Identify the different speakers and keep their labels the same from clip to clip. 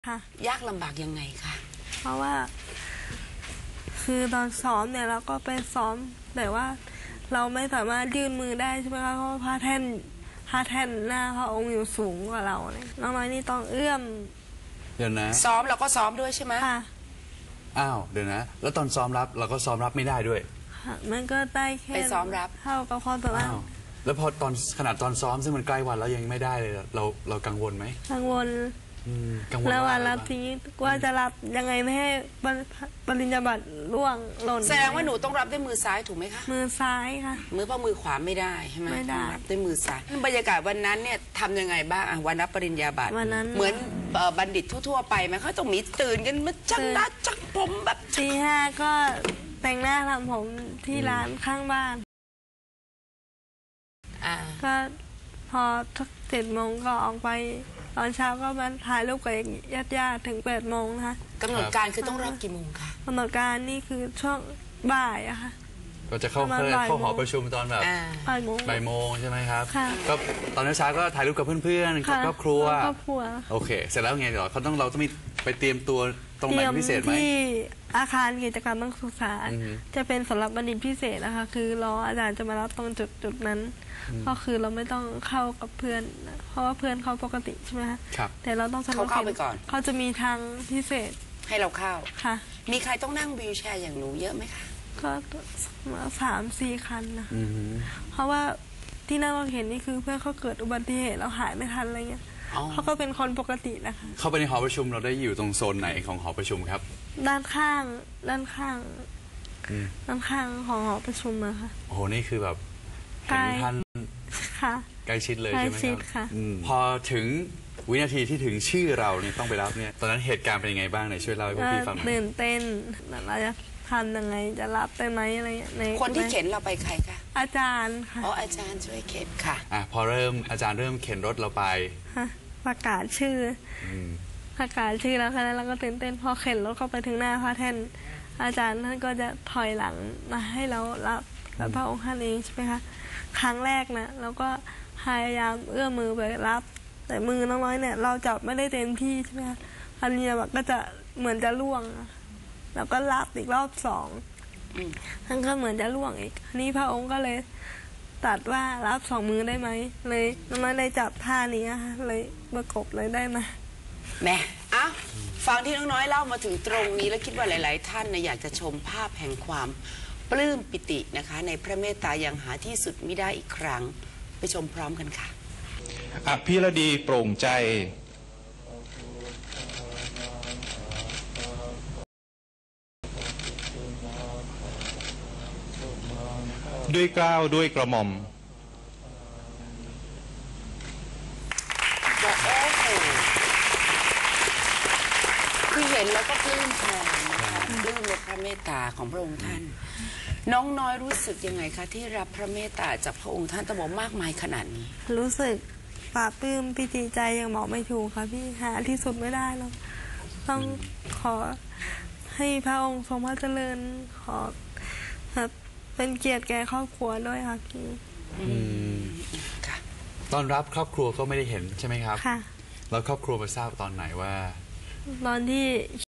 Speaker 1: ค่ะ
Speaker 2: ยากลำบากยังไงคะ
Speaker 1: เพราะว่าคือตอนซ้อมเนี่ยเราก็ไปซ้อมแต่ว่าเราไม่สามารถยื่นมือได้ใช่ไหมคะเพราะพระแท่นหน้าพระองค์อยู่สูงกว่าเราเลยน้องน้อยนี่ต้องเอื้อม
Speaker 3: เดี๋ยวนะ
Speaker 2: ซ้อมเราก็ซ้อมด้วยใช่ไหม
Speaker 1: ค่ะ
Speaker 3: อ้าวเดี๋ยวนะแล้วตอนซ้อมรับเราก็ซ้อมรับไม่ได้ด้วย
Speaker 1: ค่ะมันก็ได้แค่
Speaker 2: ไปซ้อมรับ
Speaker 1: เท่ากับความสามารถ
Speaker 3: แล้วพอตอนขนาดตอนซ้อมซึ่งมันใกล้วันแล้วยังไม่ได้เลยเรากังวลไหม
Speaker 1: กังวล
Speaker 3: กังวล
Speaker 1: แล้ววันรับทีนี้ว่าจะรับยังไงไม่ให้ปริญญาบัตรร่วงหล่น
Speaker 2: แสดงว่าหนูต้องรับด้วยมือซ้ายถูกไหมคะ
Speaker 1: มือซ้ายค่ะ
Speaker 2: เพราะมือขวาไม่ได้ใช่ไหม
Speaker 1: ไม่ได้
Speaker 2: รับด้วยมือซ้ายบรรยากาศวันนั้นเนี่ยทำยังไงบ้างวันรับปริญญาบัตร
Speaker 1: วันนั้น
Speaker 2: เหมือนบัณฑิตทั่วๆไปไหมเขาต้องมีตื่นกันมาจังหน้าจังผมแบบ
Speaker 1: ตี 5ก็แต่งหน้าทำผมที่ร้านข้างบ้านก็พอทัก7 โมงก็ออกไปตอนเช้าก็มาถ่ายรูปกับญาติถึง8 โมงนะคะ
Speaker 2: กำหนดการคือต้องรับกี่โมงคะ
Speaker 1: กำหนดการนี่คือช่วงบ่ายอะค่ะ
Speaker 3: ก็จะเข้าหอประชุมตอนแบบ
Speaker 1: บ่
Speaker 3: ายโมงใช่ไหมครับ
Speaker 1: ก็
Speaker 3: ตอนเช้าก็ถ่ายรูปกับเพื่อนๆกับครอบครัวโอเคเสร็จแล้วไงเดี๋ยวเราต้องมีไปเตรียมตัวตรงไหนพิเศษไหม
Speaker 1: ที่อาคารกิจกรรมนักศึกษาจะเป็นสำหรับบัณฑิตพิเศษนะคะคือรออาจารย์จะมารับตรงจุดนั้นก็คือเราไม่ต้องเข้ากับเพื่อนเพราะว่าเพื่อนเขาปกติใช่ไหมคะแต่เราต้อง
Speaker 2: เข้าไปก่อน
Speaker 1: เขาจะมีทางพิเศษ
Speaker 2: ให้เราเข้า
Speaker 1: ค่ะ
Speaker 2: มีใครต้องนั่งวีลแชร์อย่างหนูเยอะไหมคะ
Speaker 1: ก็3-4 คันนะเพราะว่าที่นั่งเราเห็นนี่คือเพื่อนเขาเกิดอุบัติเหตุเราหายไม่ทันอะไรเงี้ยเขาก็เป็นคนปกตินะคะ
Speaker 3: เข้าไปในหอประชุมเราได้อยู่ตรงโซนไหนของหอประชุมครับ
Speaker 1: ด้านข้างของหอประชุมอะค่ะ
Speaker 3: โอ้โหนี่คือแบบเห็นท่านใกล้ชิดเลยใช่ไหมครับพอถึงวินาทีที่ถึงชื่อเราเนี่ยต้องไปรับเนี่ยตอนนั้นเหตุการณ์เป็นยังไงบ้างไหนช่วยเล่าให้พวกพี่ฟังหน่อย
Speaker 1: ตื่นเต้นเราจะทำยังไงจะรับได้ไหมอะไรใน
Speaker 2: คนที่เข็นเราไปใครคะ
Speaker 1: อาจารย์ค่ะ
Speaker 2: อาจารย์ช่วยเข็นค่ะ
Speaker 3: พออาจารย์เริ่มเข็นรถเราไป
Speaker 1: ประกาศชื่อแล้วค่ะแล้วก็ตื่นเต้นพอเข็นรถเข้าไปถึงหน้าพระแท่นอาจารย์ท่านก็จะถอยหลังมาให้เรารับกับพระองค์ท่านเองใช่ไหมคะครั้งแรกนะเราก็พยายามเอื้อมมือไปรับแต่มือน้อยเนี่ยเราจับไม่ได้เต็มที่ใช่ไหมคะอันนี้ก็จะเหมือนจะล่วงแล้วก็รับอีกรอบ2ท่านก็เหมือนจะล่วงอีกนี่พระองค์ก็เลยตัดว่ารับ2 มือได้ไหมเลยน้องน้อยเลยจับท่านี้ค่ะเลยประกบเลยได้มา
Speaker 2: แม่ฟังที่น้องน้อยเล่ามาถึงตรงนี้แล้วคิดว่าหลายๆท่านอยากจะชมภาพแห่งความปลื้มปิตินะคะในพระเมตตาอย่างหาที่สุดมิได้อีกครั้งไปชมพร้อมกันค่ะ
Speaker 4: อภิรดีโปร่งใจด้วยเกล้าด้วยกระหม่อม
Speaker 2: คือเห็นแล้วก็ปลื้มแทนนะคะปลื้มในพระเมตตาของพระองค์ท่านน้องน้อยรู้สึกยังไงคะที่รับพระเมตตาจากพระองค์ท่านตบอกมากมายขนาดนี้
Speaker 1: รู้สึกปลาปลื้มปิติใจยังบอกไม่ถูกค่ะพี่หาที่สุดไม่ได้หรอกต้องขอให้พระองค์ทรงพระเจริญขอเป็นเกียรติแก่ครอบครัวด้วยค่ะพี่
Speaker 3: ตอนรับครอบครัวก็ไม่ได้เห็นใช่ไหมครับ
Speaker 1: ค่ะ
Speaker 3: แล้วครอบครัวมาทราบตอนไหนว่า
Speaker 1: ตอนที่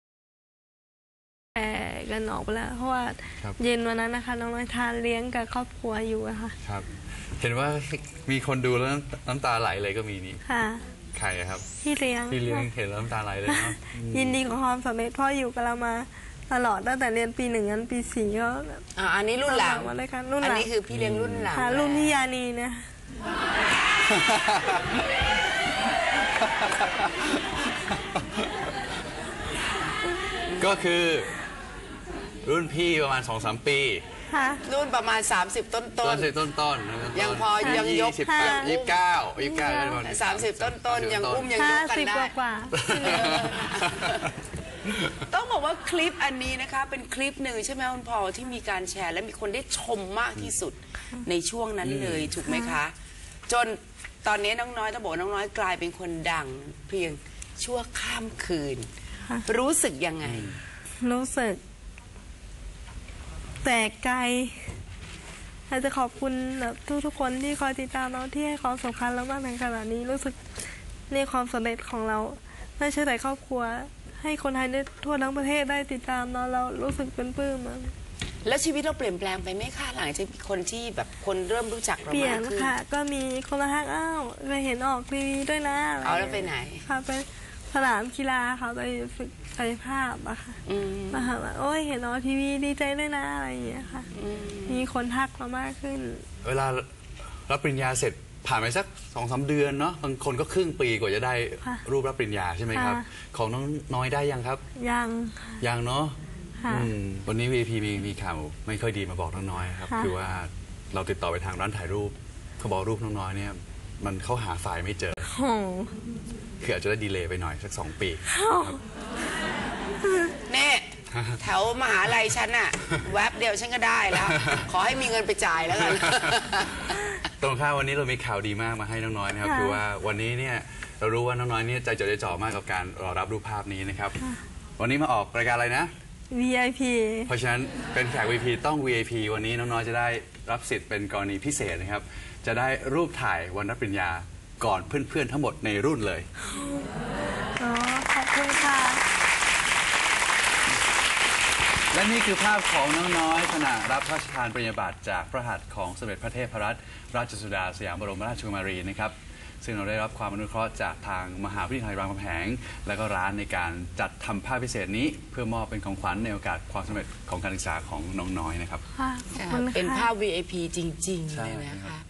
Speaker 1: กันออกไปแล้วเพราะว่าเย็นวันนั้นนะคะน้องน้อยทานเลี้ยงกับครอบครัวอยู่อะค่ะ
Speaker 3: ครับเห็นว่ามีคนดูแล้วน้ำตาไหลเลยก็มีนี่
Speaker 1: ค่ะ
Speaker 3: ใครครับ
Speaker 1: พี่เลี้ยง
Speaker 3: เห็นแล้วน้ำตาไหลเลยเนาะ
Speaker 1: ยินดีกับความสำเร็จพ่ออยู่กับเรามาตลอดตั้งแต่เรียนปี 1ยันปี 4ก็
Speaker 2: อันนี้รุ่นหลัง
Speaker 1: มาเลยค่ะรุ่นหลัง
Speaker 2: อันนี้คือพี่เลี้ยงรุ่นหลัง
Speaker 1: รุ่นพี่ยานีนะ
Speaker 3: ก็คือรุ่นพี่ประมาณ 2-3 ปี
Speaker 2: รุ่นประมาณ30 ต้นยังพอยังยก30 ต้นยังอุ้มยังยกกันได้ต้องบอกว่าคลิปอันนี้นะคะเป็นคลิปหนึ่งใช่ไหมคุณพอที่มีการแชร์และมีคนได้ชมมากที่สุดในช่วงนั้นเลยถูกไหมคะจนตอนนี้น้องน้อยต้องบอกน้องน้อยกลายเป็นคนดังเพียงชั่วข้ามคืนรู้สึกยังไง
Speaker 1: รู้สึกแตกใจอยากจะขอบคุณแบบทุกคนที่คอยติดตามเราที่ให้ความสำคัญเรามากในขณะนี้รู้สึกนี่ความสำเร็จของเราไม่ใช่แต่ครอบครัว ให้คนไทยได้ทั่วทั้งประเทศได้ติดตามเรารู้สึกเป็นปลื้มอะ
Speaker 2: แล้วชีวิตเราเปลี่ยนแปลงไปไหมคะหลังจากคนที่แบบคนเริ่มรู้จักเรา
Speaker 1: เปลี่ย
Speaker 2: มาน กขึ้น
Speaker 1: ค่ะ ก็มีคนมาทักอ้าวไปเห็นออกทีวีด้วยนะะร
Speaker 2: เอาแล้วไปไหน
Speaker 1: ค่ะไปสนามกีฬาค่ะไปฝึกกายภาพอะค่ะ
Speaker 2: อืม
Speaker 1: มาหาว่าโอ้ยเห็นออกทีวีดีใจด้วยนะอะไรอย่างเงี้ยค่ะ มีคนทักมามากขึ้น
Speaker 3: เวลารับปริญญาเสร็จผ่านไปสัก2-3 เดือนเนาะบางคนก็ครึ่งปีกว่าจะได้
Speaker 1: ค่ะ
Speaker 3: รูปรับปริญญาใช่ไหมครับ
Speaker 1: ค่ะ
Speaker 3: ของน้องน้อยได้ยังครับ
Speaker 1: ยังค่ะ
Speaker 3: ยังเนาะ
Speaker 1: ค่ะ
Speaker 3: วันนี้ VP มีข่าวไม่ค่อยดีมาบอกน้องน้อยครับ
Speaker 1: ค่ะ
Speaker 3: คือว่าเราติดต่อไปทางร้านถ่ายรูปเขาบอกรูปน้องน้อยเนี่ยมันเข้าหาไฟล์ไม่เจอ
Speaker 1: โอ้โห
Speaker 3: คืออาจจะได้ดีเลย์ไปหน่อยสัก2 ปี
Speaker 2: เนี่ยแถวมหาลัยฉันอะแวบเดียวฉันก็ได้แล้ว ขอให้มีเงินไปจ่ายแล้วกัน
Speaker 3: ตรงข้ามวันนี้เรามีข่าวดีมากมาให้น้องน้อยนะครับ
Speaker 1: ค่ะ
Speaker 3: คือว่าวันนี้เนี่ยเรารู้ว่าน้องน้อยเนี่ยใจจดใจจ่อมากกับการรอรับรูปภาพนี้นะครับ วันนี้มาออกรายการอะไรนะ
Speaker 1: VIP
Speaker 3: เพราะฉะนั้นเป็นแขก VIP ต้อง VIP วันนี้น้องน้อยจะได้รับสิทธิ์เป็นกรณีพิเศษนะครับ จะได้รูปถ่ายวันรับปริญญาก่อนเพื่อนๆทั้งหมดในรุ่นเลย
Speaker 1: อ๋อ ขอบคุณค่ะ
Speaker 3: และนี่คือภาพของน้องน้อยขณะรับพระราชทานปริญญาบัตรจากพระหัตถ์ของสมเด็จพระเทพรัตนราชสุดาสยามบรมราชกุมารีนะครับ ซึ่งเราได้รับความอนุเคราะห์จากทางมหาวิทยาลัยรามคำแหง และก็ร้านในการจัดทำภาพพิเศษนี้ เพื่อมอบเป็นของขวัญในโอกาสความสำเร็จของการศึกษาของน้องน้อยนะครับ
Speaker 1: ค่ะ ขอบคุณค่ะ
Speaker 2: เป็นภาพ VIP จริง ๆ เลยนะคะ